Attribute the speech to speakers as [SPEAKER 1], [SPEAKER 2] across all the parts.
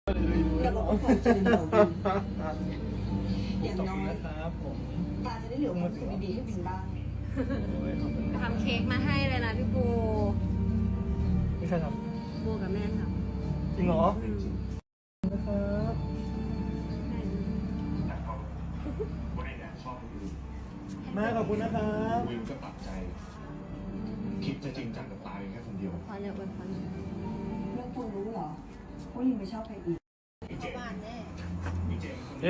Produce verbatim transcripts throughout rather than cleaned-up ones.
[SPEAKER 1] อย่าบอกว่าผมจะเป็นหัวบินอย่างน้อย
[SPEAKER 2] ครับผม
[SPEAKER 1] ตาจะได้เหลือความสุขดีๆให้บินบ้าง
[SPEAKER 3] ทำเค้กมาให้เลยนะพี่โบ
[SPEAKER 2] นี่ใครท
[SPEAKER 3] โบกับแม่ท
[SPEAKER 2] ำจริงเหรอ
[SPEAKER 3] ำอืม
[SPEAKER 2] นะครับแม่ขอบคุณนะครับ
[SPEAKER 4] วินก็ตัดใจ คิดจะจริงจังกับตายแค่คนเดียว
[SPEAKER 3] พอเนี่ยอวยพร
[SPEAKER 1] แล้วคุณรู้เหรอว่าลิงไปชอบใครอีก
[SPEAKER 3] บ้านแน่
[SPEAKER 2] เย้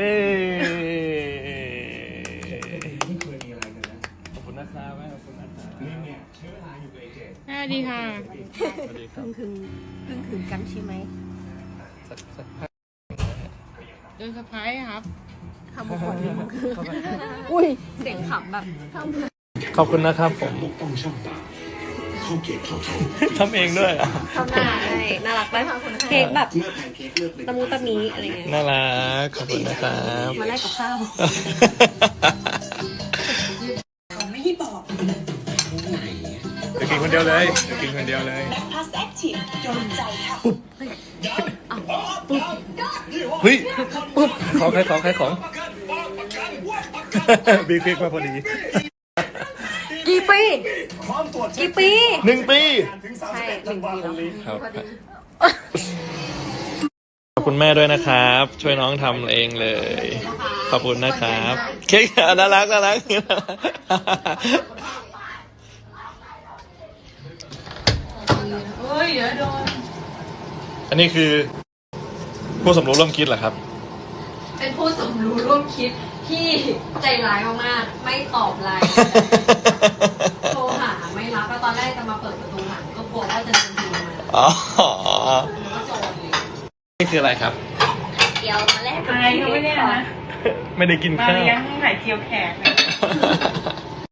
[SPEAKER 4] ไม่เคยมีอะไรกันนะ
[SPEAKER 2] ขอบคุณนะครับแม่ขอบคุณนะครับ
[SPEAKER 4] ลินเนี่ยใช้เวลาอยู่กับไอเจ
[SPEAKER 5] สวัสดีค่ะ
[SPEAKER 2] สวัสดีครับ
[SPEAKER 3] เพิ่งถึงเพิ่งถึงกันใช่ไหม
[SPEAKER 2] สักสักพัก
[SPEAKER 5] โดยเซอร์ไพรส์ครับ
[SPEAKER 3] คำพูดนี้มันคืออุ้ยเสียงขำแบบ
[SPEAKER 2] ขอบคุณนะครับผม
[SPEAKER 4] ปกป้องช่องตาเข้าเกตเข้าเขา
[SPEAKER 2] ทำเองด้วยอ่ะ
[SPEAKER 3] ทำหน้าให้น่ารักไหมเค้กแบบ
[SPEAKER 4] เมื่อแพนเค้กเลือกเป็น
[SPEAKER 3] ตะมูตะมีอะไรเงี้ย
[SPEAKER 2] น่ารักขอบคุณนะครับ
[SPEAKER 3] มาแลกกับข้าว
[SPEAKER 1] เขาไม่ให้บอก
[SPEAKER 4] ไหน
[SPEAKER 2] จะกินคนเดียวเลยจะกินคนเดียวเลย
[SPEAKER 1] พาสแอคทีฟโดนใจค่ะ
[SPEAKER 2] เฮ้ยปุ๊บของใครของใครของบีคลิกมาพอดี
[SPEAKER 3] กี่ปีกี่ปี
[SPEAKER 2] หนึ่งปี
[SPEAKER 3] ใช่หนึ่งปีแล้ว
[SPEAKER 2] ครับขอบคุณแม่ด้วยนะครับ ช่วยน้องทำเองเลย ขอบคุณนะครับ เค้กน่ารักน่ารักอันนี้คือผู้สมรู้ร่วมคิดเหรอครับ
[SPEAKER 3] เป็นผู้สมรู้ร่วมคิดที่ใจร้ายมากๆไม่ตอบไลน์โทรหาไม่รับแล้วตอนแรกจะมาเปิดประตูหลังก็กลัวว่าจะโดนยิงมา
[SPEAKER 2] อ๋อ
[SPEAKER 3] ก็โจรเลย
[SPEAKER 2] นี่คืออะไรครับ
[SPEAKER 3] เดี๋ยวมาแลกกับ
[SPEAKER 5] อายเขาไม่ได้นะ
[SPEAKER 2] ไม่ได้กิน
[SPEAKER 5] มา
[SPEAKER 2] ข้าว
[SPEAKER 5] เลี้ยงไข่เจียวแขกนะ